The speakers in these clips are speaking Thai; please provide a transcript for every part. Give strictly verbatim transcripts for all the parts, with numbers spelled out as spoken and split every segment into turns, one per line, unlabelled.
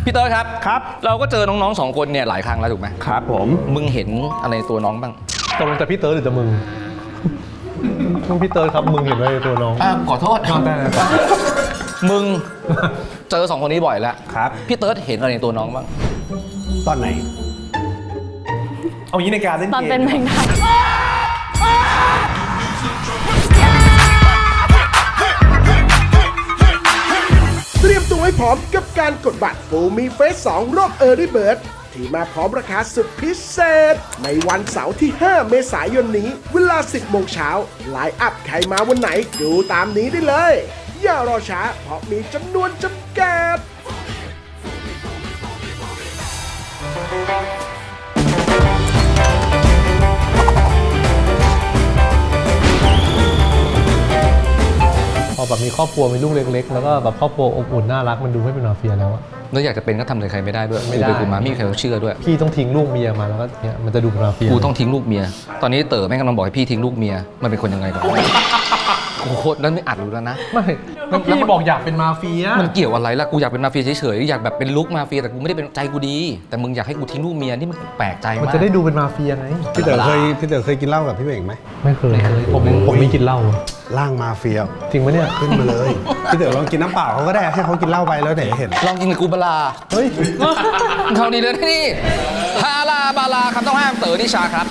พี่เต้ยครับ
ครับ
เราก็เจอน้องๆสองคนเนี่ยหลายครั้งแล้วถูกไหม
ครับผม
มึงเห็นอะไรตัวน้องบ้าง
ตกลงแต่พี่เต้ยหรือจะมึงมึงพี่เต้ยครับมึงเห็นอะไรตัวน้อง
อ่าขอโทษมึงเจอสองคนนี้บ่อยแล้ว
ครับ
พี่เต้ยเห็นอะไรในตัวน้องบ้าง
ตอนไหนเอางี้ในการเล่นเกม
ตอนเป็นแมงดา
เตรียมตัวให้พร้อมกับการกดบัตรฟูมีเฟสสองรอบ Early Bird ที่มาพร้อมราคาสุดพิเศษในวันเสาร์ที่ห้าเมษายนนี้เวลาสิบโมงเช้าไลน์อัพใครมาวันไหนดูตามนี้ได้เลยอย่ารอช้าเพราะมีจำนวนจำกัด
พอแบบมีครอบครัวมีลูกเล็กๆแล้วก็แบบครอบครัวอบอุ่นน่ารักมันดูไม่เป็นมาเฟียแล้วอะ
แล้วอยากจะเป็นก็ทำอะไรใครไม่ได้ด้วยไม่ได้กูมาไม่มีใครเชื่อด้วย
พี่ต้องทิ้งลูกเมียมาแล้วก็เนี่ยมันจะดูเป็นมาเฟีย
กูต้องทิ้งลูกเมียตอนนี้เต๋อแม่งกำลังบอกให้พี่ทิ้งลูกเมียมันเป็นคนยังไงก่อนโอ้โหนั้นไม่อัดรู้แล้วนะ
ไม่พี่บอกอยากเป็นมาเฟีย
มันเกี่ยวอะไรล่ะกูอยากเป็นมาเฟียเฉยๆอยากแบบเป็นลุคมาเฟียแต่กูไม่ได้เป็นใจกูดีแต่มึงอยากให้กูทิ้งลูกเมียนี่มันแปลกใจมาก
มันจะได้ดูเป็นมาเฟียไง
พี่เต๋อเคยพี่เต๋อเคยกินเหล้ากับพี่เบ่งไหม
ไม่เคยผมผมไม่กินเหล้า
ร่างมาเฟีย
จริงไหมเนี่ย
ขึ้นมาเลยพี่เต๋อลองกินน้ำเปล่าเขาก็ได้ให้เขากินเหล้าไปแล้วไหนเห็น
ลองกินกับกูบลา
เฮ้ย
เขาดีเลยนี่ฮาลาบาลาคำต้องห้ามเต๋อนิชาครับ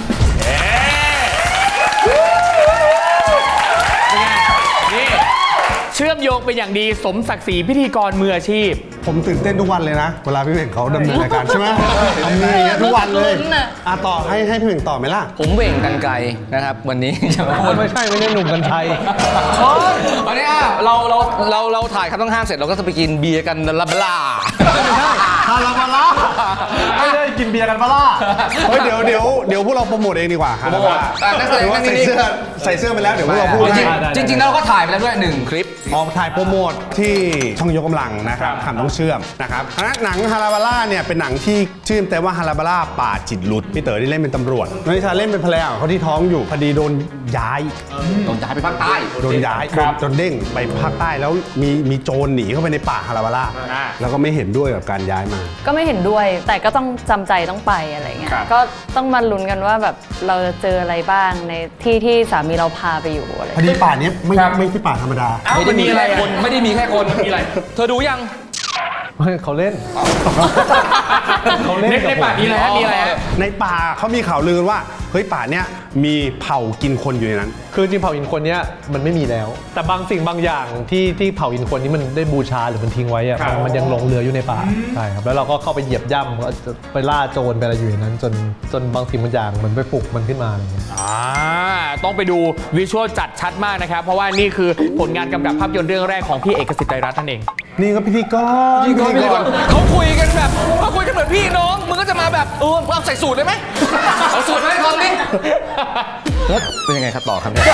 นี่เชื่อมโยงเป็นอย่างดีสมศักดิ์ศรีพิธีกรมืออาชีพ
ผมตื่นเต้นทุกวันเลยนะเวลาพี่เบ่งเขาดำเนินรายการใช่ไหมทำนี่ทุกวันเลยอ่ะต่อให้ให้พี่เบ่งต่อไหมล่ะ
ผมเบ่งกันไกลนะครับวันนี้จะมาพูด
ไม่ใช่ไม่ใช่หนุ่มกันชัย
วันนี้เราเราเราเราถ่ายคำต้องห้ามเสร็จเราก็จะไปกินเบียร์กันลาบลา
ไม่ใช่ฮาลาบาลา
ไม่ได้กินเบียร์กันบาล่า
เฮ้ยเดี๋ยวเดี๋ยวเดี๋ยวพวกเราโปรโมทเองดีกว่าฮาลาบาลาใส่เสื้อใส่เสื้อไปแล้วเดี๋ยวพวกเราพูด
จริงจริงๆเราก็ถ่ายไปแล้วด้วยหนึ่งคลิป
ออกถ่ายโปรโมทที่ช่องยกกำลังนะครับคำต้องเชื่อมนะครับหนังฮาลาบาล่าเนี่ยเป็นหนังที่ชื่อแต่ว่าฮาลาบาล่าป่าจิตหลุดพี่เต๋อที่เล่นเป็นตำรวจน้องนิชาเล่นเป็นภรรยาของเขาที่ท้องอยู่พอดีโดนย้าย
โดนย้ายไปภาคใต้
โดนย้ายโดนเด้งไปภาคใต้แล้วมีมีโจรหนีเข้าไปในป่าฮาลาบาล่าแล้วก็ไม่เห็นด้วยกับการย้ายมา
ก็ไม่เห็นด้วยแต่ก็ต้องจำใจต้องไปอะไรเงี้ยก็ต้องมาลุ้นกันว่าแบบเราจะเจออะไรบ้างในที่ที่สามีเราพาไปอยู่อะไร
พอดีป่านี้ไม่ไม่ใช่ป่าธรรมดา
ไม่ได้มีแค่คนไม่ได้มีแค่คนมีอะไรเธอดูยัง
ไม่เขาเล่น
เขาเล่นในป่านี้แล้วมีอะไร
ในป่าเขามีข่าวลือว่าเฮ้ยป่าเนี้ยมีเผ่ากินคนอยู่ในนั้น
คือจริงเผ่ากินคนเนี้ยมันไม่มีแล้วแต่บางสิ่งบางอย่างที่ที่เผ่ากินคนนี้มันได้บูชาหรือมันทิ้งไว้อะมันยังหลงเหลืออยู่ในป่าใช่ครับแล้วเราก็เข้าไปเหยียบย่ำก็ไปล่าโจรไปอะไรอยู่ในนั้นจนจนบางสิ่งบางอย่างมันไปปลุกมันขึ้นมาอะไรเงี้ย
อ่าต้องไปดูวิชวลจัดชัดมากนะครับเพราะว่านี่คือผลงานกำกับภาพยนตร์เรื่องแรกของพี่เอกสิทธิ์ไตรรัตน์นั่นเอง
นี่ก็พิธีกร
พิธีกรเขาคุยกันแบบเขาคุยกันเหมือนพี่น้องมึงก็จะมาแบบเออเอาใส่สูตรได้ไหมเอาสูตรมาให้ทอมดิแล้วเป็นยังไงครับต่อครับเนี่ย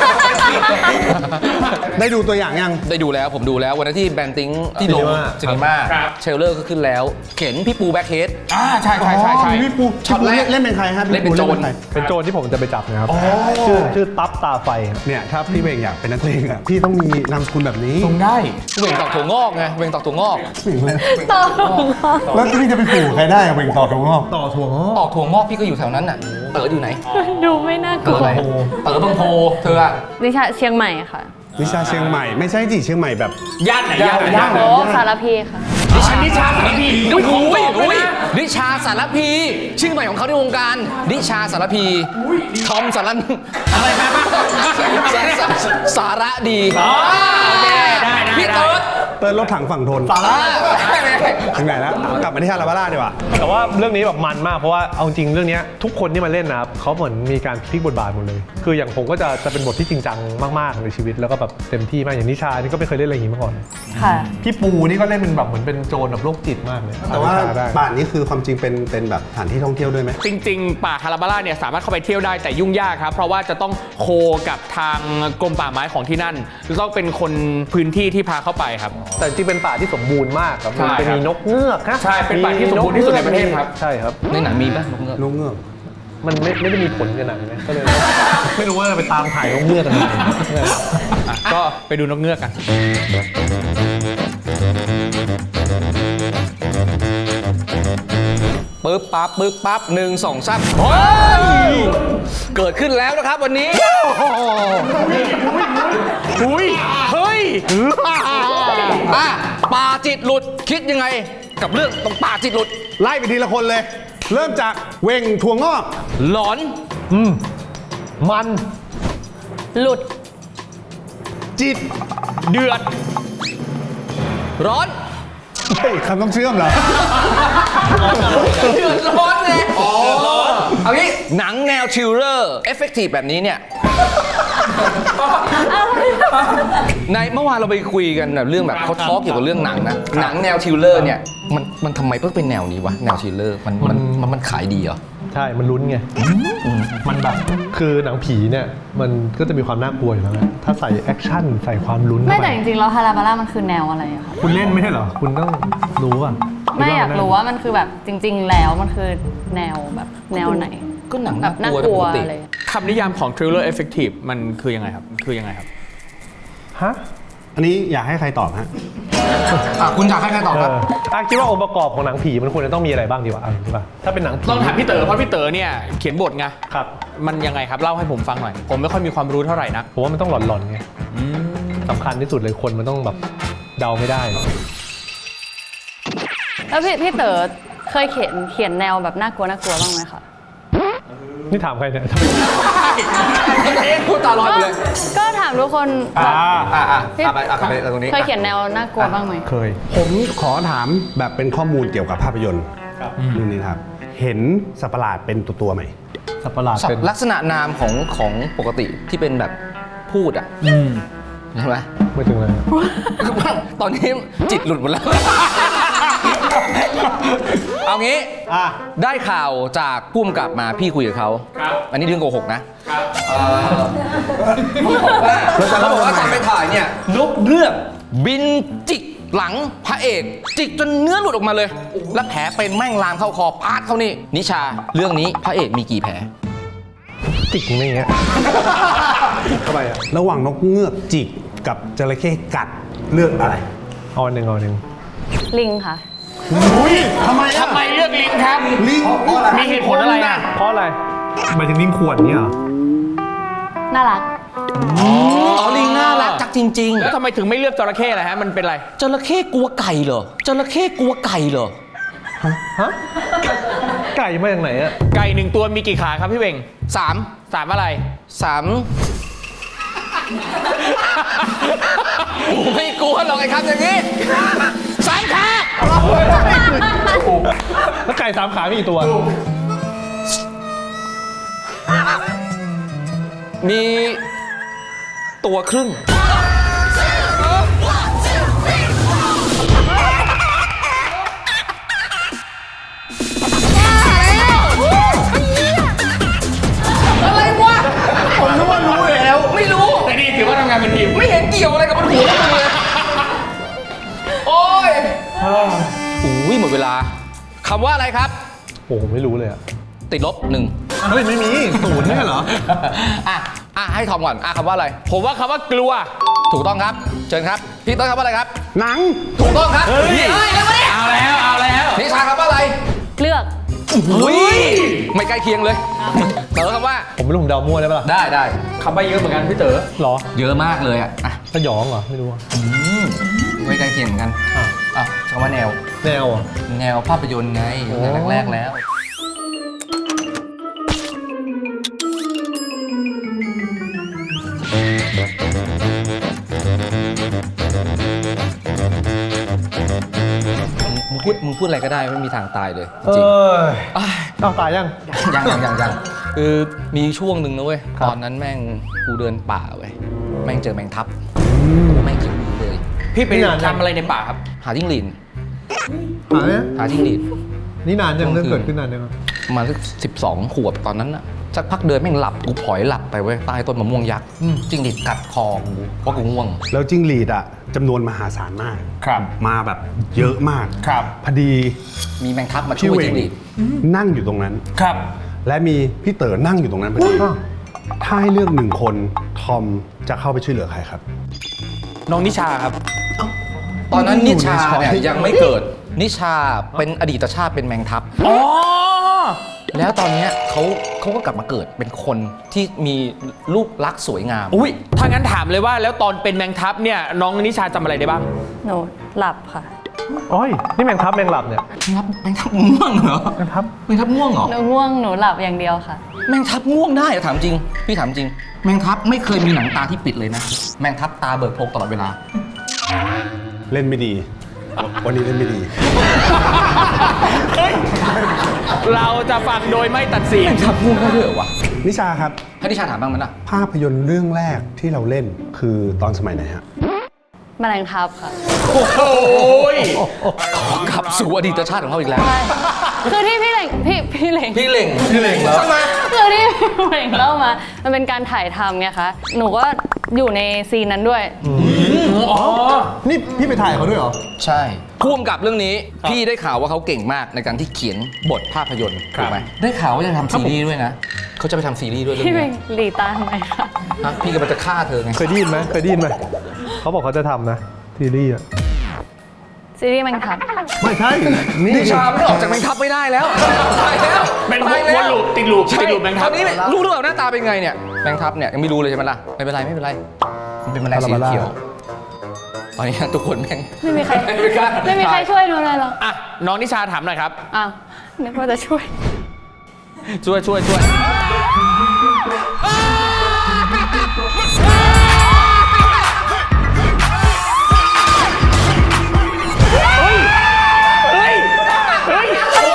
ได้ดูตัวอย่างยัง
ได้ดูแล้วผมดูแล้ววันนั้นที่แบนติ้งที่โรงซินีมาเชลเลอร์ก็ขึ้นแล้วเข็นพี่ปูแบ็คเฮด
อ่าใช่ใช่ใช่ใช่
พี่ปูช็อตแรกเล่นเป็นใครฮะ
เล่นเป็นโจร
เป็นโจรที่ผมจะไปจับนะครับชื่อชื่อตั๊บตาไฟ
เนี่ยถ้าพี่เบ่งอยากเป็นนักเลงอ่ะพี่ต้องมีนามสกุลแบบนี้
ตรงได้
เบ่งตอกถั่วงอกไงเบ่งตอกถั่วงอก
ต่อถั่วงอก
แล้วพี่จะไปปลูกใครได้เบ่งตอกถั่วงอก
ต่อถั่วงอก
ตอกถั่วงอกพี่ก็อยู่แถวนั้นน่ะเต๋ออยู่ไหน
ดูไม่น่ากลัว
เต๋อบางโพเธออะ
วิชาเชียงใหม่ค่ะ
วิชาเชียงใหม่ไม่ใช่ดิเชียงใหม่แบบ
ย่านไหนย่านไหนย่าน
โอ้สารพีค่ะ
นิชานิชาสารพีอุ้ยอุ้ยนิชาสารพีชื่อใหม่ของเขาในวงการนิชาสารพีทอมสารัน
อะไรมาบ้าง
สาระดีพี่เติร์ด
เติร์ดรถถังฝั่งทน
สาระ
ถึงไหนแล้วกลับมาที่ฮาลาบาล่าดีกว่า
แต่ว่าเรื่องนี้แบบมันมากเพราะว่าเอาจริงเรื่องนี้ทุกคนที่มาเล่นนะครับเขาเหมือนมีการพลิกบทบาทหมดเลยคืออย่างผมก็จะจะเป็นบทที่จริงจังมากๆในชีวิตแล้วก็แบบเต็มที่มากอย่างนิชานี่ก็ไม่เคยเล่นอะไรอย่างนี้มาก่อน
ค่ะ
พี่ปูนี่ก็เล่นเป็นแบบเหมือนเป็นโจรแบบโรคจิตมากเลย
แต่ว่าป่านี้คือความจริงเป็นเป็นแบบสถานที่ท่องเที่ยวด้วยไหม
จริงๆป่าฮาลาบาล่าเนี่ยสามารถเข้าไปเที่ยวได้แต่ยุ่งยากครับเพราะว่าจะต้องโคกับทางกรมป่าไม้ของที่นั่นต้องเป็นคนพื้นที่ที่พาเข้าไปครับ
แต่จริงเป็นป่าที่สมบูรณ์มากครับมันจะมีนกเงือก
ใช่เป็นป่าที่สมบูรณ์ที่สุดในประเทศครับ
ใช่ครับ
ในหนังมีป่ะนกเงือก
นกเงือก
มันไม่ไม่ได้มีผลกันหนังนะก็เลยไม่รู้ว่าไปตามถ่ายนกเงือกกันยังไง
ก็ไปดูนกเงือกกัน
ปึ๊บปั๊บปึ๊บปั๊บหนึ่งสองสามเฮ้ยเกิดขึ้นแล้วนะครับวันนี้
อุ้ยเฮ้ย
อ่ะป่าจิตหลุดคิดยังไง กับเรื่องตรงป่าจิตหลุด
ไล่ไปทีละคนเลย เริ่มจากเวงถั่วงอก
หลอน
อืมมัน
หลุด
จิต
เดือด
ร้อน
เฮ้ยคำต้องเชื่อมเหรอ
เดือดร้อนไงอ๋อเอางี้หนังแนวชิลเลอร์เอฟเฟกตีฟแบบนี้เนี่ย ในเมื่อวานเราไปคุยกันแบบเรื่องแบบเขาทอล์กเกี่ยวกับเรื่องหนังนะ หนังแนวชิลเลอร์เนี่ยมันมันทำไมเพิ่งเป็นแนวนี้วะ แนวชิลเลอร์มันมันมันมันขายดีเหรอ
ใช่มันลุ้นไงมันแบบคือหนังผีเนี่ยมันก็จะมีความน่ากลัวอยู่แล้วแหละถ้าใส่แอคชั่นใส่ความลุ้น
ไม่
เข้าป
แต่จริงๆแล้วฮาราบาร่ามันคือแนวอะไรอะคะ
คุณเล่นไม่ใช่เหรอคุณต้องรู้อ่ะ
ไม่อยากรู้ว่ามันคือแบบจริง ๆ แล้วมันคือแนวแบบแนวไหน
ก็หนัง
แบบน่ากลัว
ปกติ
อะไร
คำนิยามของ thriller effective มันคือยังไงครับ คือยังไงครับ
ฮะ
อันนี้อยากให้ใครตอบฮะ
อ่ะคุณอยากให้ใครตอบ
เอ
ครับ
ออ่ะคิดว่าองค์ประกอบของหนังผีมันควรจะต้องมีอะไรบ้างดีวะอ่ะดีป่ะถ้าเป็นหนังผี
ต้องถามพี่เต๋อเพราะพี่เต๋อเนี่ยเขียนบทไง
ครับ
มันยังไงครับเล่าให้ผมฟังหน่อย ผมไม่ค่อยมีความรู้เท่าไหร่นะ
ผมว่ามันต้องหลอนๆไงสำคัญที่สุดเลยคนมันต้องแบบเดาไม่ได้
แล้วพี่พี่เต๋อเคยเขียนเขียนแนวแบบน่ากลัวน่ากลัวบ้างไหมคะ
นี่ถามใครเนี่ย
เอ๊ะพูดตาลอยไปเลย
ก็ถามทุกคนแบบ
อ่ะอ่ะ
พี่
อ่ะไปอ่ะไปตรงนี้
เคยเขียนแนวน่ากลัวบ้างไหม
เคย
ผมขอถามแบบเป็นข้อมูลเกี่ยวกับภาพยนตร์เรื่องนี้ครับ เห็นสัตว์ประหลาดเป็นตัวตัวๆไหม
สัตว์ประหลาด
สัต
เป็น
ว์ลักษณะนามของของปกติที่เป็นแบบพูดอ่ะใช่ไหม
ไม่ถึงเลย
ตอนนี้จิตหลุดหมดแล้ว เอางี้
อ่ะ
ได้ข่าวจากผู้กำกับมาพี่คุยกับเขา อันนี้เรื่องโกหกนะเอ่อเขาบอกว่าเขาบอกว่าตอนไปถ่ายเนี่ยนกเงือกบินจิกหลังพระเอก จิกจนเนื้อหลุดออกมาเลย แล้วแผลเป็นแม่งลามเข้าคอปาดเข้านี่ นิชาเรื่องนี้พระเอกมีกี่แผล
จิกไม่อย่างเงี้ยทำไมอ่ะ
ระหว่างนกเงือกจิกกับจระเข้กัดเลือกอะไร
เอาอันหนึ่งเอาอันหนึ่ง
ลิงค่ะ
อุ้ยทำไมอ่ะ
ทำไมเลือกลิงครับ
ลิง
มีเหตุผลอะไรอ่ะ
เพราะอะไรหมายถึงลิงขวดเนี่ยเหรอ
น่ารัก
อ๋อลิงน่ารักจักจริง
แล้วทำไมถึงไม่เลือกจระเข้ล่ะฮะ มันเป็นอะไร
ๆจระเข้กลัวไก่เหรอจระเข้กลัวไก่เหรอ
ฮะไก่มาจากไหนอ่ะ
ไก่หนึ่งตัวมีกี่ขาครับพี่เวง
สาม
สามอะไร
สาม ไม่กลัวหรอกไอ้คำอย่างนี้สามขา
แล้วไก่สามขามีกี่ตัว
มีตัวครึ่ง อะไรวะ ผมนึกว่ารู้แล้ว ไม่รู้
แต่นี่ถือว่าทำงานเป็นทีม
ไม่เห็นเกี่ยวอะไรกับบนหัวมึงเลย โอ้ยอุ้ยหมดเวลาคำว่าอะไรครับ
โอ้ผมไม่รู้เลยอ่ะ
ติดลบหนึ่ง
เฮ้ยไม่มีศูนย์ไม่ใช่เหรอ
อ่ะ อ่ะ ให้ทอมก่อน อ่ะคำว่าอะไร
ผมว่าคำว่ากลัว
ถูกต้องครับ เชิญครับ พี่ต้นคำว่าอะไรครับ
หนัง
ถูกต้องครับ
เฮ้ย
เฮ้ยแล้ววะเนี่ย
เอาแล้ว เอาแล้ว
นิชาคำว่าอะไร
เลือก
อุ้ยไม่ใกล้เคียงเลยเต๋อคำว่า
ผมไม่รู้ผมเดามั่วได้ปะล่ะ
ได้ได้
คำใบ้เยอะเหมือนกันพี่เต๋อ
หรอ
เยอะมากเลยอ่ะ อ่ะ
สยองเหรอไม่รู้อะ
ไม่ใกล้เคียงเหมือนกัน
อ่ะ
อ่ะคำว่าแนว
แนวอ่ะ
แนวภาพยนตร์ไงตั้งแต่แรกๆแล้ว มึงพูดมึงพูดอะไรก็ได้ไม่มีทางตายเลย
เอ
จริง
อ
ๆอ้าย
เอาตายยัง
ยังยังยังยังคือมีช่วงหนึ่งนะเว้ย
ครับ
ตอนนั้นแม่งกูเดินป่าเว้ยแม่งเจอแมงทับแม่งจิ้งหรีดเลย
พี่ไปทำอะไรในป่าครับ
หาจิ้งหรีด
หาเนี่ย
หาจิ้งหรีด
นี่นานยังเรื่องเกิดขึ้นนานยัง
ประมาณสักสิบสองขวบตอนนั้นน่ะสักพักเดินแม่งหลับกูผลอยหลับไปเว้ยใต้ต้นมะม่วงยักษ์จิ้งหรีดกัดคอกูเพราะกูง่วง
แล้วจิ้งหรีดอ่ะจำนวนมหาศาลมาก
ครับ
มาแบบเยอะมาก
ครับ
พอดี
มีแมงทับมาช่
พี่
วย
เว
จิ้
ง
งหรีด
นั่งอยู่ตรงนั้น
ครับ
และมีพี่เต๋อนั่งอยู่ตรงนั้นพอดี ถ้าให้เลือกหนึ่งคน ทอมจะเข้าไปช่วยเหลือใครครับ
น้องนิชาครับ
ตอนนั้น
ไม่
นิ
อยู่ใน
ชา
ช้อย
เนี่ยยังไม่เกิด นิชาเป็นอดีตชาติเป็นแมงทับ
อ๋อ
แล้วตอนเนี้ยเขาเขาก็กลับมาเกิดเป็นคนที่มีรูปลักษณ์สวยงาม
อุ้ยถ้างั้นถามเลยว่าแล้วตอนเป็นแมงทับเนี่ยน้องนิชาจำอะไรได้บ้าง
หนูหลับค่ะ
โอ้ยนี่แมงทับแมงหลับเนี่ย
แมงทับแมงทับง่วงเหรอ
แมงทับ
แมงทับง่วงเหรอ
หนูง่วงหนูหลับอย่างเดียวค่ะ
แมงทับง่วงได้เหรอถามจริง พี่ถามจริง แมงทับไม่เคยมีหนังตาที่ปิดเลยนะ แมงทับตาเบิกโพรงตลอดเวลา
เล่นไม่ดี วันนี้เล่นไม่ดี
เราจะฟังโดยไม่ตัดสิน
แมงทับง่วงได้ด้วยเหรอวะ
นิชาครับ
ให้นิชาถามบ้างมั้ยล่ะ
ภาพยนตร์เรื่องแรกที่เราเล่นคือตอนสมัยไหนฮะ
แมลงทับค่ะ
โอ้โหย
กลับสู่อดีตชาติของเขาอีกแล้ว
ใช่คือที่พี่เหล่งพี่พี่เหล่ง
พี่เหล่งพี่เหล่งแล้ว
คือที่พี่เหล่งเล่ามา มันเป็นการถ่ายทำไงคะ หนูก็อยู่ในซีนนั้นด้วย
อ๋อ
นี่พี่ไปถ่ายเขาด้วยเหรอ
ใช่พ่วงกับเรื่องนี้ พี่ได้ข่าวว่าเขาเก่งมากในการที่เขียนบทภาพยนตร์ถูกไหมได้ข่าวว่าจะทำซีรีส์ด้วยนะเขาจะไปทำซีรีส์ด้วยเรื่อง
พี่เป็
นี้
นหลีตาทำไมคะ
ฮะพี่กำลังจะฆ่าเธอไง
เคยได้ยินไหมเคยได้ยินไหมเขาบอกเขาจะทำนะซีรีส์อะ
ซีรีส์แมงทับ
ไม่ใช่นี่
นิชาไม่ออกจากแมงทับไม่ได้แล้วตายแล้ว
เป็น
ตายแล้ว
วนลูปติดลูป
ใช่
ติดลูปแมงทับ
ตอนนี้รู้หรือเปล่าหน้าตาเป็นไงเนี่ยแมงทับเนี่ยยังไม่รู้เลยใช่ไหมล่ะไม่เป็นไรไม่เป็นไรมันเป็นแมลงสีเขียวตอนนี้ทุกคนแม่ง
ไม่มีใคร
ไม่กล้า
ไม่มีใครช่วยหนูเลยหรอก
อ่ะน้องนิชาถามหน่อยครับ
อ้าวนึกว่าจะช่วย
ช่วยช่วยช่วยเฮ้ย เฮ้ย เฮ้ย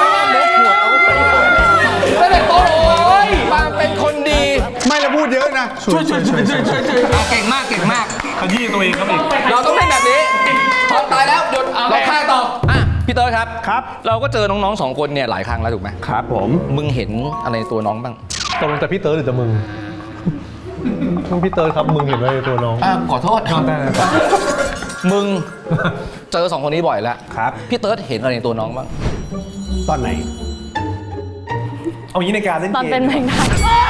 ตั้งแต่โตเลยมาเป็นคนดี
ไม่แล้วพูดเยอะนะ
ช่วยช่วยช่วยช่วยช่วยช่วยเก่งมากเก่งมาก
ขยี้ตัวเองครับอีก
เราต้องเล่นแบบนี้พอตายแล้วหยุดเราฆ่าต่ออ่ะพี่เตอร์ครับ
ครับ
เราก็เจอน้องๆสองคนเนี่ยหลายครั้งแล้วถูกไหม
ครับผม
มึงเห็นอะไรในตัวน้องบ้าง
ตกลงจะพี่เติร์ดหรือจะมึงมึงพี่เติร์ดครับมึงเห็นอะไรในตัวน้อง
อ่ะขอโทษ
ได้ได้ได้
มึงเจอสองคนนี้บ่อยแล้ว
ครับ
พี่เติร์ดเห็นอะไรในตัวน้องบ้าง
ตอนไหน
เอางี้ในการเล่น
ตอน
เกม
เป็นแมงทับ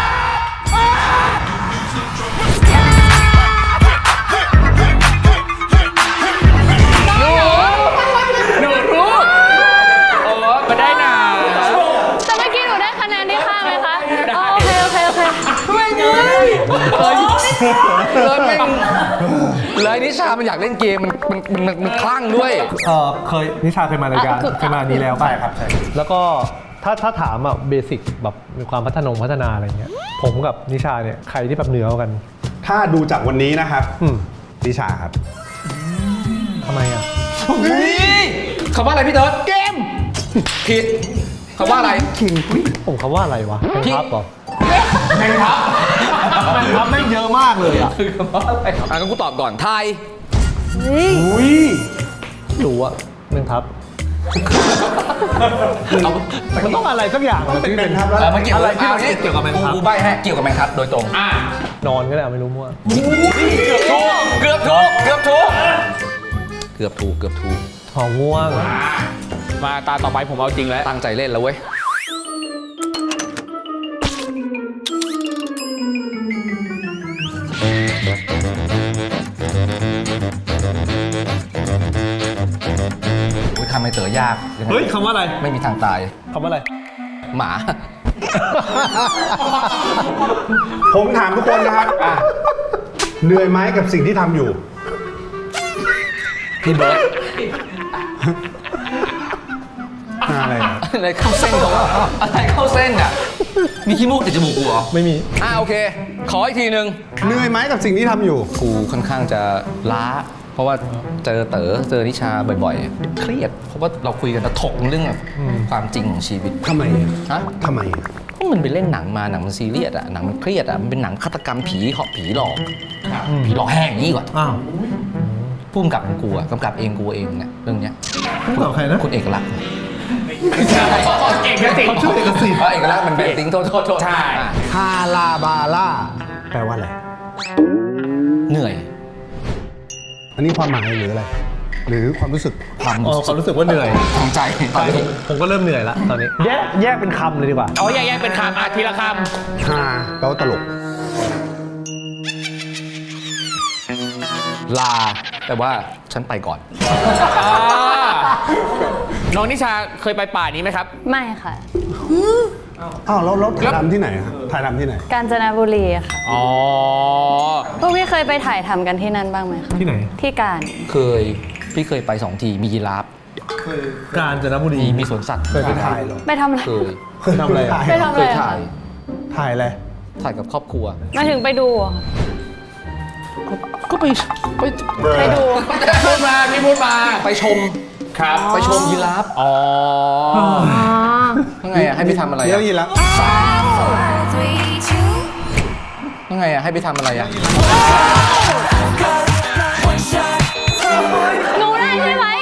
หนูรู้ โอ้มาได้หนา
แต่เมื่อกี้หนูได้คะแนนที่ข้างไหมคะอ๋อโอเคโอเคโอเค
ไม่เงยเลยแม่งเลยนิชามันอยากเล่นเกมมันมันมันมันคลั่งด้วย
เออเคยนิชาเคยมารายการเคยมาอันนี้แล้วป่ะ
ใช่ครับใช่
แล้วก็ถ้าถ้าถามอ่ะเบสิกแบบมีความพัฒนงพัฒนาอะไรเงี้ยผมกับนิชาเนี่ยใครที่แบบเหนือกว่ากัน
ถ้าดูจากวันนี้นะครับ
อืม
นิชาครับ
ทำไมอ่ะ
คำว่าอะไรพี่เติร์ดเกม ผิดคำว่าอะไร
ผมคำว่าอะไรวะแมง
พี่
ทับเหรอ
แมงทับ
แมงทับไม่เยอะมากเลยอ่ะ
คือคำว่าอะไรอ่ะงั้นกูตอบก่อนไทย
อุ้ยรู้อะแมงทับ
เอา
มันต้องอะไรสักอย่างอะที่เป็น
เออมันเกี่ยว
อะไรที่
อา
มันเกี่ยวกับแมงทับ
กูใบให้เกี่ยวกับแมงทับโดยตรง
อ่ะ
นอนก็ได้ไม่รู้มั่ว
เกือบถูกเกือบถูกเกือบถูกเกือบถูกเกือบถูก
ท้องง่วง
มาตาต่อไปผมเอาจริงแล้ว
ตั้งใจเล่นแล้วเว้ยโอ้ยคำไม่เต๋อยากงไง
เฮ้ยคำว่าอะไร
ไม่มีทางตาย
คำว่าอะไร
หมา
ผมถามทุกคนนะครับอ่ะเหนื่อยไหมกับสิ่งที่ทำอยู่
พี่เบิร์ด
อะไรอ่ะ
อะไรเข้าเส้นเขาอะอะไรเข้าเส้นอ่ะ มีขี้มูกติดจมูกกูเหรอ
ไม่มี
อ่าโอเค ขออีกทีหนึ่ง
เหนื่อยไหมกับสิ่งที่ทำอยู่
กูค่อนข้างจะล้า เพราะว่าเจอเต๋อเจอนิชาบ่อยๆ เครียด เพราะว่าเราคุยกันแล้วถกเรื่องแบบความจริงของชีวิต
ทำไมอ่ะ
ฮะ
ทำไมอ่ะ
ก็มันไปเล่นหนังมาหนังมันซีเรียสอะหนังมันเครียดอะมันเป็นหนังฆาตกรรมผีเหาะผีหลอกผีหลอกแห้งอย่างนี้ก่อน
อ้าว
พุ่มกับของกูอะกำกับเองกูเองเนี่ยเรื่องเนี้ย
พูดกับใครนะ
คุณเอกลักษณ์
เอกสิทธิ์
เขาชื่อเอกสิทธิ์
เพราะเอกลักษณ์มันเป็นติ้งโทษโทษโทษ
ใช่
อ่ะ
ฮาลาบาล่าแปลว่าอะไร
เหนื่อย
อันนี้ความหมายหรืออะไร หรือความรู้สึก
ความ
อ๋อความรู้สึกว่าเหนื่อย
ทางใจตอนนี้
ผมก็เริ่มเหนื่อยละตอนนี้ แยกแยกเป็นคำเลยดีกว่า
เอาแยกๆเป็นคำอ่ะทีละค
ฮาแปลว่าตลก
ลาแต่ว่าฉันไปก่อน
อ่าน้องนิชาเคยไปป่านี้ไหมครับ
ไม่ค่ะ
อ้าวแล้วแล้วถ่ายทำที่ไหนฮะถ่ายทำที่ไหน
กาญจนบุรีค่ะ
อ๋อ
พวกพี่เคยไปถ่ายทำกันที่นั่นบ้างไหมคะ
ที่ไหน
ที่การ
เคยพี่เคยไปสองทีมียีราฟ
กาญจนบุรี
มีมีสวนสัตว์
เคยไปถ่ายเหรอ
ไปทำอะไร
เคย
เคยทำอะไร
ไปทำอะ
เค
ไร
ย
อะ
ถ่าย
ถ่ายอะไร
ถ่ายกับครอบครัว
มาถึงไปดูอะ
ก็ไปไป
ไปดู
พูดมาพี่พูดมา
ไปชม
ครับ
ไปชมยีราฟ
อ๋อ
ยังไงอะให้ไปทำอะไร
เรีย
อะ
กยีราฟ
ยังไงอะให้ไปทำอะไรอะ
หนูได้ใช่ไหม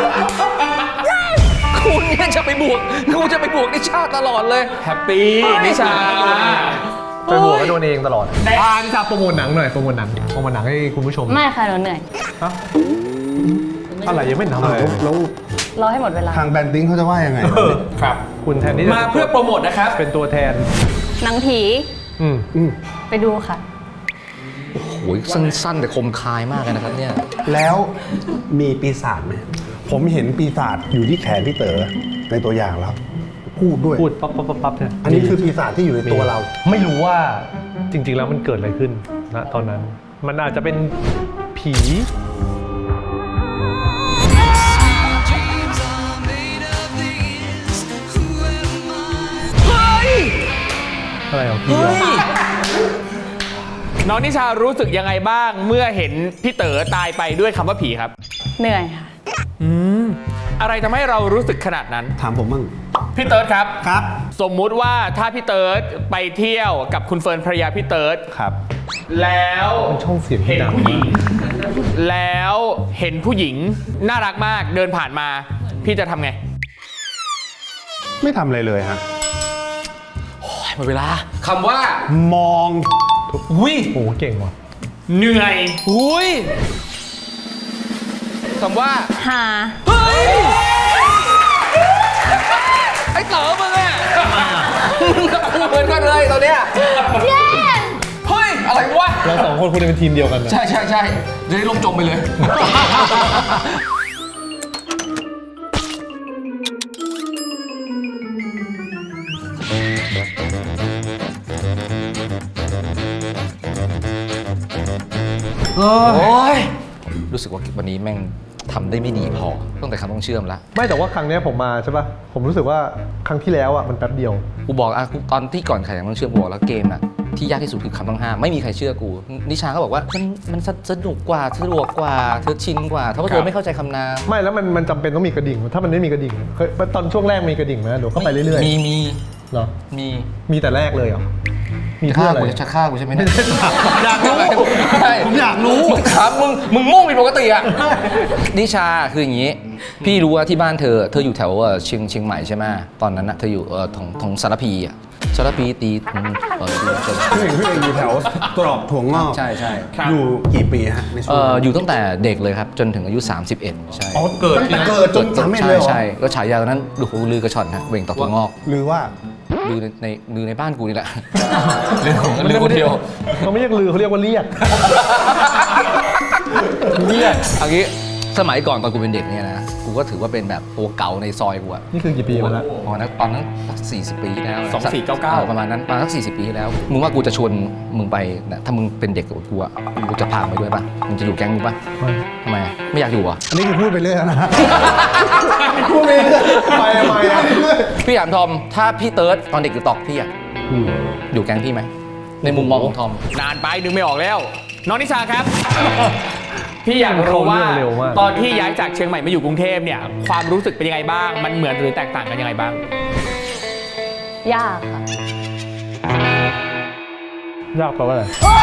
คุณเนี่ยจะไปบวกกูจะไปบวกนิชาตลอดเลย
แฮปปี้นิชา
ไปบวกก็โดนเองตลอดอ่านิชาโปรโมทหนังหน่อยโปรโมทหนังโปรโมทหนังให้คุณผู้ชม
ไม่ค่ะหนูเหนื่อย
ฮะอะไรยังไม่ทำ
อ้าว
เลย
แล้ว
รอให้หมดเวลา
ทางแบรนดิ้งเขาจะว่ายังไง
ครับ
คุณแทนที่จะ
มาเพื่อโปรโมทนะครับ
เป็นตัวแทน
หนังผี
อืม
อืม
ไปดูค่ะ
โอ้ยสั้นๆแต่คมคายมากเลยนะครับเนี่ย
แล้วมีปีศาจไหมผมเห็นปีศาจอยู่ที่แขนพี่เต๋อในตัวอย่างแล้ว พูดด้วย
พูดปั๊บปั๊บปั๊บปั๊บเนี่ย
อันนี้คือปีศาจที่อยู่ในตัวเรา
ไม่รู้ว่าจริง ๆ แล้วมันเกิดอะไรขึ้นนะตอนนั้น มันอาจจะเป็นผี อะไรของพี่อะ
น้องนิชารู้สึกยังไงบ้างเมื่อเห็นพี่เต๋อตายไปด้วยคำว่าผีครับ
เหนื่อยค่ะ
อะไรทำให้เรารู้สึกขนาดนั้น
ถามผมบ้าง
พี่เติร์ดครับ
ครับ
สมมุติว่าถ้าพี่เติร์ดไปเที่ยวกับคุณเฟิร์นภรรยาพี่เติร์ด
ครับ
แล้ว
มันช่องเสียงที่
เห็น
ดัง
ผู้หญิ
มาง ก
แล้วเห็นผู้หญิงน่ารักมากเดินผ่านมา พี่จะทำไง
ไม่ทำอะไรเลยฮะ
หมดเวลาคำว่า
มอง
อุ้ย
โอ้โหเก่งว่ะ
เหนื่อย
อุ้ยคำว่า
หา
เฮ้ย ไอ้เต๋อมึงอะมึงกับกูเหมือนกันเลยตอนเนี้ย
เย้
เฮ้ย อะไรวะ
เราสองคนคุณเป็นทีมเดียวกันนะ
ใช่ใช่ใช่จะได้ลมจมไปเลย โอ้ย รู้สึกว่าวันนี้แม่งทำได้ไม่ดีพอตั้งแต่คำต้องเชื่อมแล้ว
ไม่แต่ว่าครั้งเนี้ยผมมาใช่ป่ะ ผมรู้สึกว่าครั้งที่แล้วอ่ะมันแป๊บเดียว
กูบอกอ่ะกูตอนที่ก่อนแข่งต้องเชื่อมกูบอกแล้วเกมอ่ะที่ยากที่สุดคือคำต้องห้ามไม่มีใครเชื่อกู นิชาก็บอกว่ามันมันสนุกกว่าสะดวกกว่าเธอชินกว่าเพราะว่าเธอไม่เข้าใจคำนาม
ไม่แล้วมันมันจำเป็นต้องมีกระดิ่ง ถ้ามันไม่มีกระดิ่งเคยตอนช่วงแรกมีกระดิ่งไหมเดี๋ยวเข้าไปเรื่อย
มีมี
ๆเหรอ
มี
มีแต่แรกเลยเหรอ มี
จะ
เพื่
ฆ่า
ออะไร
กูจะฆ่ากูใช่ไหมเนี่ย
อยากรู้
ใช่
ผมอยากรู้
มึงถามมึงมึงมุ่งผิดปกติอ่ะนิชาคืออย่างนี้ พี่รู้ว่าที่บ้านเธอเธออยู่แถวเอ่อเชียงเชียงใหม่ใช่ไหมตอนนั้นนะเธออยู่เออทางทางสารพีอ่ะสารพีตีอืมเออตีจน
พี่เองพี่เองอยู่แถวตรอกถั่วงอก
ใช่ใช่
อยู่กี่ปีฮะในช่
เอ
วง
อ
นั้น
อยู่ตั้งแต่เด็กเลยครับ จนถึงอายุ สามสิบเอ็ด ใช่
อ๋อเกิดตั้งแต่เกิดจนสามเอ็ด
ใช่
เลยเหรอ
ใช่ก็ฉายาตอนนั้นดูหูลือกระชอนฮะเวงต่อตัวงอก
หรือว่า
ลือในในลือในบ้านกูนี่แหละ ลือของลือคนเดียว
เขาไม่เรียกลือเขาเรียกว่าเรียก
เรียกอันนี้สมัยก่อนตอนกูเป็นเด็กเนี่ยนะกูก็ถือว่าเป็นแบบตัวเก่าในซอยกูอะ
นี่คือกี่ปีมาแล้ว
ตอนนั้นตอนนั้นสี่สิบปีที่แล้ว
สองสี่เก้าเก้า
ออประมาณนั้นประมาณสักสี่สิบปีที่แล้ว มึงว่ากูจะชวนมึงไปนะถ้ามึงเป็นเด็กกับกูอะกูจะพามึงไปด้วยป่ะมึงจะอยู่แก๊งกูป่ะทำไมอะไม่อยากอยู่อ่ะ
อันนี้คือพูดไปเรื่อยแล้วนะ พูดไปเรื่อยไปไปอะเรื่อย
พี่ถามทอมถ้าพี่เติร์ดตอนเด็กอยู่ตอกพี่อะ
อืม
อยู่แก๊งพี่ไหมในมุมมองของทอม
นานไปนึกไม่ออกแล้ว น้องนิชาครับ พี่อยากรู้ว่า
เร็วมาก
ตอนที่ย้ายจากเชียงใหม่มาอยู่กรุงเทพเนี่ยความรู้สึกเป็นยังไงบ้าง มันเหมือนหรือแตกต่างกันยังไงบ้าง
ยากค่ะ
ยากแปลว่าอะไร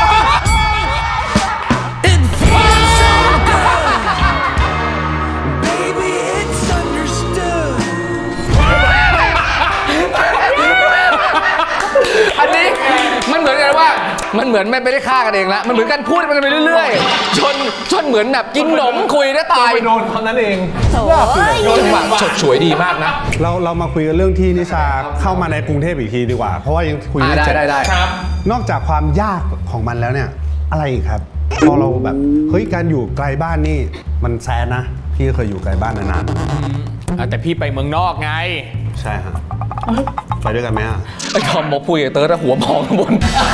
อันนี้มันเหมือนกันว่ามันเหมือนไม่ได้ฆ่ากันเองละมันเหมือนกันพูดมันไปเรื่อยๆ ชนชนเหมือนแบบกินหนมคุยได้ตาย
ไปโดนเขานั้นเอง
โอ้ย
จังหวะฉกฉวยดีมากนะ
เราเรามาคุยกันเรื่องที่นิชาเข้ามาในกรุงเทพอีกทีดีกว่า เพราะว่ายังคุย
อ่า
ไม่
ได้
เสร็จ
ได้ได้
ครับ
นอกจากความยากของมันแล้วเนี่ย อะไรอีกครับพอเราแบบเฮ้ยการอยู่ไกลบ้านนี่มันแซนนะพี่เคยอยู่ไกลบ้านนาน
อ่ะแต่พี่ไปเมืองนอกไง
ๆใช่ฮะไปด้วยกันไหมอ่ะ
ไอ้ทอมบอกคุยกับเติร์ดอะหัวมองข้างบน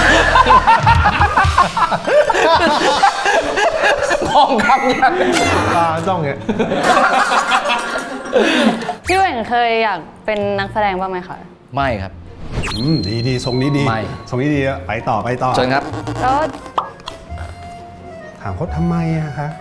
มองคำยัง
ตาจ้องเงี้ย
พี่เหว่งเคยอยากเป็นนักแสดงบ้างไหมคะ
ไม่ครับ
อืมดีดีทรงนี้ดี
ไม่
ทรงนี้ดีอะไปต่อไปต่อ
เชิญครับ
แล้ว
ถามเขาทำไมอะคะ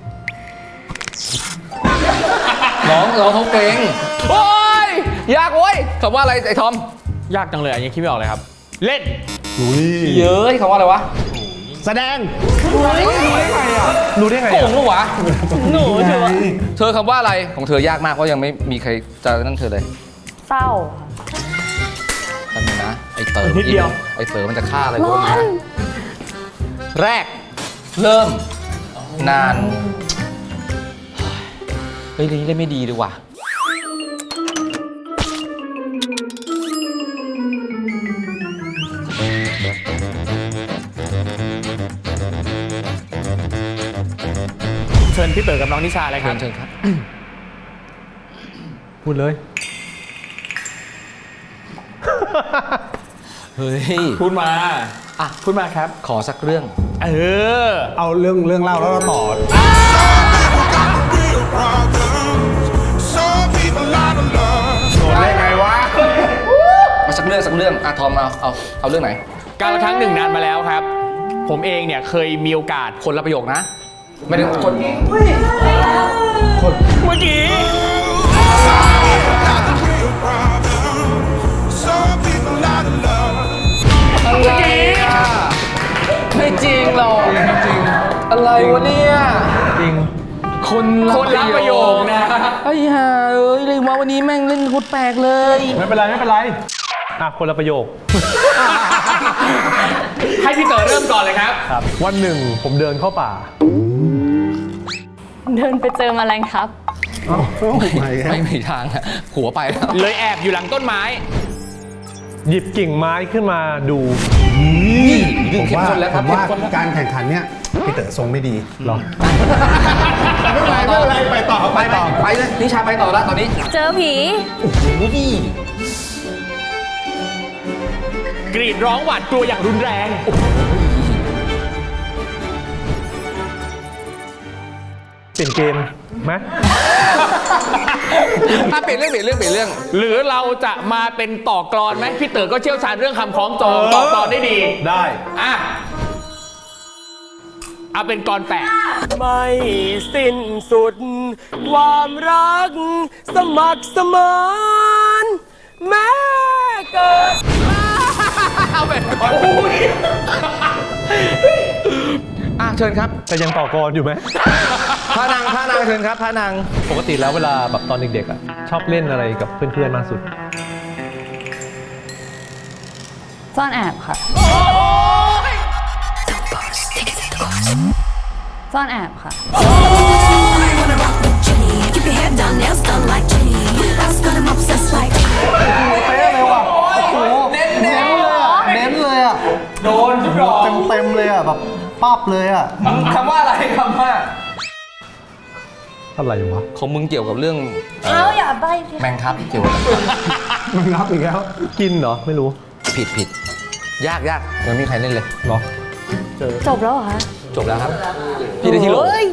น้องน้องเขาเก่งโอ้ยยากเว้ยคำว่าอะไรไอ้ทอม
ยากจังเลยอันนี้คิดไม่ออกเลยครับ เล่น
อุ้ย
เยอะคำว่าอะไรวะ
แสดง
รู้ได้ไง
โก
อะ
งลูกวะ
หนูถือว่า
เธอคำว่าอะไรของเธอยากมากเพราะยังไม่มีใครจะนั่นเธอเลย
เศร้า
แป๊บนึงนะไอ้เต๋อ
นิดเดียว
ไอ้เต๋อมันจะฆ่าอะไร
ค่ะ
พวกนี้นะแรก เริ่ม นานเฮ้ยนี่เล่นไม่ดีดีว่ะ
เชิญพี่เต๋อกับน้องนิชาเลยค
เชิ
รับ
ญเชิญครับ
พูดเลย
เฮ้ย
พูดมา
อ่ะ
พูดมาครับ
ขอสักเรื่อง
เออ
เอาเรื่องเรื่องเล่าแล้วเราต่อ โดนได้ไงวะ
มาสักเรื่องสักเรื่องอ่ะทอมเอาเอาเอาเรื่องไหน
การละครั้งหนึ่งนานมาแล้วครับ ผมเองเนี่ยเคยมีโอกาส
คนละประโยคนะ ไม่ได้คน
เมื่อกี้
อะไรอ่ะไม่จริงหรอกจริงอะไรวะเนี่ย
จริง
คน
คนละประโยคนะ
ไอ้ห่าเอ้ยเลยว่าวันนี้แม่งเล่นโคตรแปลกเลย
ไม่เป็นไรไม่เป็นไรอ่ะคนละประโยค
ให้พี่เต๋อเริ่มก่อนเลยครับ
ครับวันหนึ่งผมเดินเข้าป่า
เดินไปเจอแมลงทับ
ไม่มีทางอะหัวไปแล้ว
เลยแอบอยู่หลังต้นไม้
หยิบกิ่งไม้ขึ้นมาดู
เรื่อง
ผม
เข้ม
ว่า
ข้นแล้วค
ผ
รับ
มว่า
เข้มข้นแล้ว
การแข่งขันเนี่ยพี่เต๋อทรงไม่ดี
หรอ
ไม่เป็นไรไม่เป็นไรไปต่อ
ไปต่อไปเลยนิชาไปต่อแล้วตอนนี้
เจอผี
กรีดร้องหวาดกลัวอย่างรุนแรง
เปลี่ยนเกมไหม
อ่ะเปลี่ยนเรื่องเปลี่ยนเรื่องเปลี่ยนเรื่อง
หรือเราจะมาเป็นต่อกลอนไหมพี่เต๋อก็เชี่ยวชาญเรื่องคำคล้องจองต่อกลอนได้ดี
ได้
อ่ะเอาเป็นกลอนแปะ
ไม่สิ้นสุด ความรัก สมัครสมานแม้เกิด
เอาเป็นกลอน
อ่ะเชิญครับ
แต่ยังต่อกรอยู่ไหม
พระนางพระนางเชิญครับพระนาง
ปกติแล้วเวลาแบบตอนเด็กๆอ่ะชอบเล่นอะไรกับเพื่อนๆมากสุด
ซ่อนแอบค่ะ ซ่อนแอบค่ะ
Keep your head down, nails done like Jenny. That's got him obsessed like.
เน้นเลยอ่ะ
โดนทุกดอก
เต็มเต็มเลยอ่ะแบบปั๊บเลยอ่ะ
คำว่าอะไรคำว่า
อะไรวะ
ของมึงเกี่ยวกับเรื่อง
เอาอย่าใบ้สิ
แมงครับเกี่ยวกับ
มึงรับอีกแล้ว
กินเหรอไม่รู้
ผิดผิดยากยากยังไม่มีใครเล่นเลย
เหรอ
จบแล้วเหรอคะ
จบแล้วครับ พี่ได้ที่โหล
เฮ้ย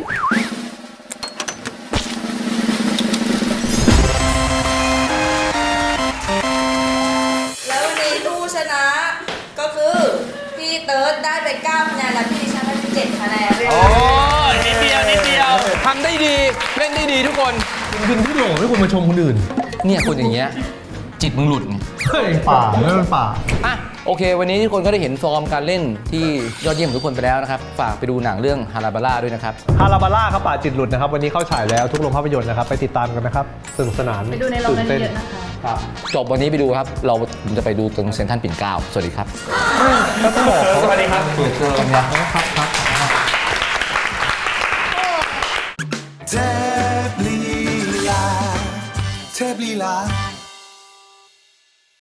แล้ววันนี้ผู้ชนะก็คือพี่เติร์ดได้ไปเก้าคะแนนและพี่ดิฉันได้ไปเจ็ดคะแนน
โอ้ยนิดเดียวนิดเดียว
ทำได้ดีเล่นได้ดีทุกคน
กินที่โหลไม่ควรมาชมคนอื่น
เนี่ยคนอย่างเงี้ยจิตมึงหลุดไง
เฮ้ยป่าไม่เป็นป่า
อ่ะโอเค วันนี้ทุกคนก็ได้เห็นฟอร์มการเล่นที่ยอดเยี่ยมของทุกคนไปแล้วนะครับ ฝากไปดูหนังเรื่องฮาราบาร่าด้วยนะครับ
ฮาราบาร่าครับป่าจิตหลุดนะครับ วันนี้เข้าฉายแล้วทุกโรงภาพยนตร์นะครับ ไปติดตามกันนะครับสนุกสนาน
ไปดูในโรงนั้น
ตื่
เยอะนะคะ
ครับ
จบวันนี้ไปดูครับ เราผมจะไปดูตรงเซ็นทรัลปิ่นเกล้าสวัสดีครับ
สวัสดีครับ
เปิดเจอกันนะ
เทพลีลาเทพลีลา